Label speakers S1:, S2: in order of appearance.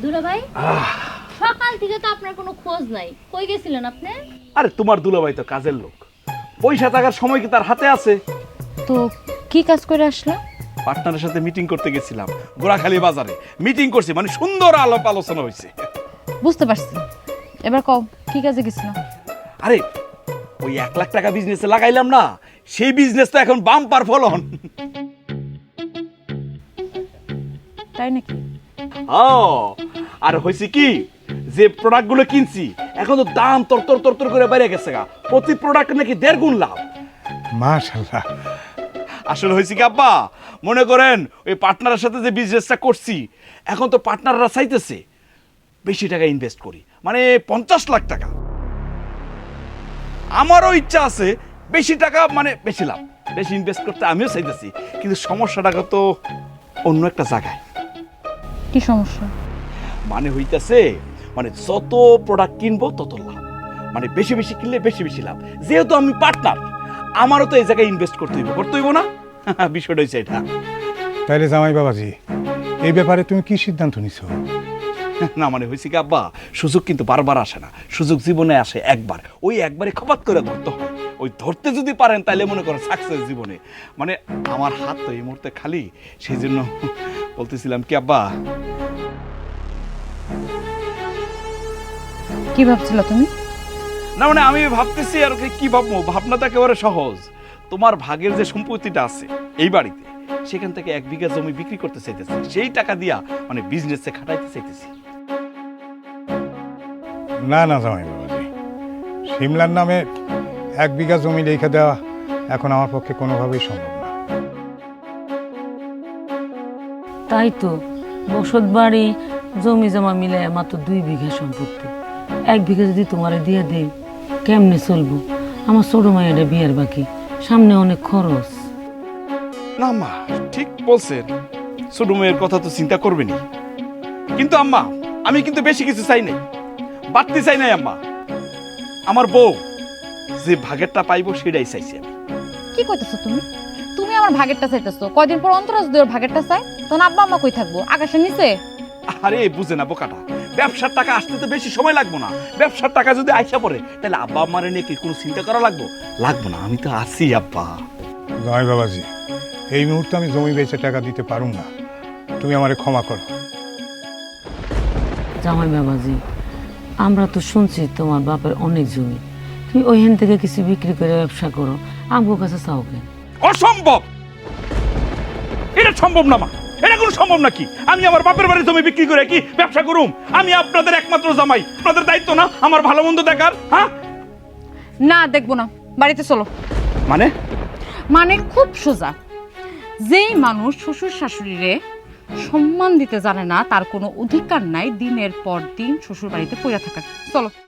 S1: দুলাভাই, সকাল থেকে তো আপনার কোনো খোঁজ নাই, কই গেছিলেন আপনি?
S2: আরে তোমার দুলাভাই তো কাজের লোক, পয়সা টাকার সময় কি তার হাতে আছে?
S1: তো কি কাজ করে আসলো?
S2: পার্টনারের সাথে মিটিং করতে গেছিলাম গোড়াখালী বাজারে। মিটিং করছি, মানে সুন্দর আলাপ আলোচনা হয়েছে।
S1: বুঝতে পারছি, এবার কও কি কাজে গেছিল?
S2: আরে ওই 1 লাখ টাকা বিজনেসে লাগাইলাম না, সেই বিজনেস তো এখন বাম্পার ফলন।
S1: তাই নাকি?
S2: ও, আর হয়েছে কি, যে প্রোডাক্ট গুলো কিনছি এখন তো দাম তর করে বেড়ে গেছে গা, প্রতি প্রোডাক্ট নাকি 1.5 গুণ লাভ।
S3: মাশাআল্লাহ।
S2: আসলে হয়েছে কি আব্বা, মনে করেন ওই পার্টনারের সাথে যে বিজনেসটা করছি, এখন তো পার্টনাররা চাইতেছে বেশি টাকা ইনভেস্ট করি, মানে 50 লাখ টাকা। আমারও ইচ্ছা আছে বেশি টাকা, মানে বেশি লাভ, বেশি ইনভেস্ট করতে আমিও চাইতেছি, কিন্তু সমস্যাটা তো অন্য একটা জায়গায়।
S1: কি সমস্যা?
S2: মানে হইতেছে, মানে যত প্রোডাক্ট কিনবো তত লাভ, মানে বেশি বেশি কিনলে বেশি বেশি লাভ। যেহেতু আমি পার্টনার, আমারও তো এই জায়গায় ইনভেস্ট করতে হইব না? বিষয়টা হচ্ছে এটা।
S3: তাইলে জামাই বাবাজি, এই ব্যাপারে তুমি কি সিদ্ধান্ত নিছো?
S2: না মানে হয়েছে কি আব্বা, সুযোগ কিন্তু বারবার আসে না, সুযোগ জীবনে আসে একবার, ওই একবারে খপাত করে ধরতে হয়। ওই ধরতে যদি পারেন তাহলে মনে করেন সাকসেস জীবনে। মানে আমার হাত তো এই মুহূর্তে খালি, সেই জন্য বলতেছিলাম কি আব্বা।
S1: কি ভাবছিল তুমি?
S2: না মানে আমি ভাবতেছি আর কি ভাববো, ভাবনাটা একেবারে সহজ। তোমার ভাগের যে সম্পত্তিটা আছে এই বাড়িতে, সেখান থেকে 1 বিঘা জমি বিক্রি করতে চাইতেছি, সেই টাকা দিয়া মানে বিজনেসে খাটাইতে চাইতেছি।
S3: না না জামাই বাবাজি, সিমলার নামে 1 বিঘা জমি রেখে দেওয়া এখন আমার পক্ষে কোনোভাবেই সম্ভব না।
S4: তাই তো, বসত বাড়ি জমি জমা মিলে মাত্র 2 বিঘা সম্পত্তি, 1 বিঘা যদি তোমারে দিয়ে দেই কেমনে চলবো? আমার ছোট মায়ের বিয়ের বাকি, সামনে অনেক খরচ।
S2: না আম্মা ঠিক বলছেন, ছোট মেয়ের কথা তো চিন্তা করবেনি, কিন্তু আম্মা আমি কিন্তু বেশি কিছু চাই নাই, বাড়তি চাই নাই আম্মা। আমার বউ যে ভাগেরটা পাইবো সেটাই চাইছি আমি।
S5: কি কইতেছো তুমি? তুমি আমার ভাগেরটা চাইতেছো, কয়দিন পর অন্তরাজ দুয়ের ভাগেরটা চাই, তখন আব্বা আম্মা কই থাকবো? আকাশের নিচে?
S2: আরে বুঝে না বোকাটা, ব্যবসার টাকা আসতে তো বেশি সময় লাগবো না। ব্যবসার টাকা যদি আইসা পড়ে তাহলে আব্বা আম্মারে নিয়ে কি কোনো চিন্তা করা লাগবো না, আমি তো আছি আব্বা।
S3: জামাই বাবাজি, এই মুহূর্তে আমি জমি বেচে টাকা দিতে পারুম না, তুমি আমারে ক্ষমা করো।
S4: জামাই বাবাজি, আমরা তো শুনছি তোমার বাপের অনেক জমি, তুমি ওইখান থেকে কিছু বিক্রি করে ব্যবসা করো, আমগো কাছে চাও কেন?
S2: অসম্ভব, এটা সম্ভব না মা, এটা কোনো সম্ভব নাকি? আমি আমার বাপের বাড়ির জমি বিক্রি করে কি ব্যবসা করুম? আমি আপনাদের একমাত্র জামাই, আপনাদের দায়িত্ব না আমার ভালো মন্দ দেখার? হ্যাঁ
S5: না, দেখবো না, বাড়িতে চলো।
S2: মানে
S5: মানে খুব সোজা, যেই মানুষ শ্বশুর শাশুড়িরে সম্মান দিতে জানে না, তার কোনো অধিকার নাই দিনের পর দিন শ্বশুর বাড়িতে পড়ে থাকার। চলো।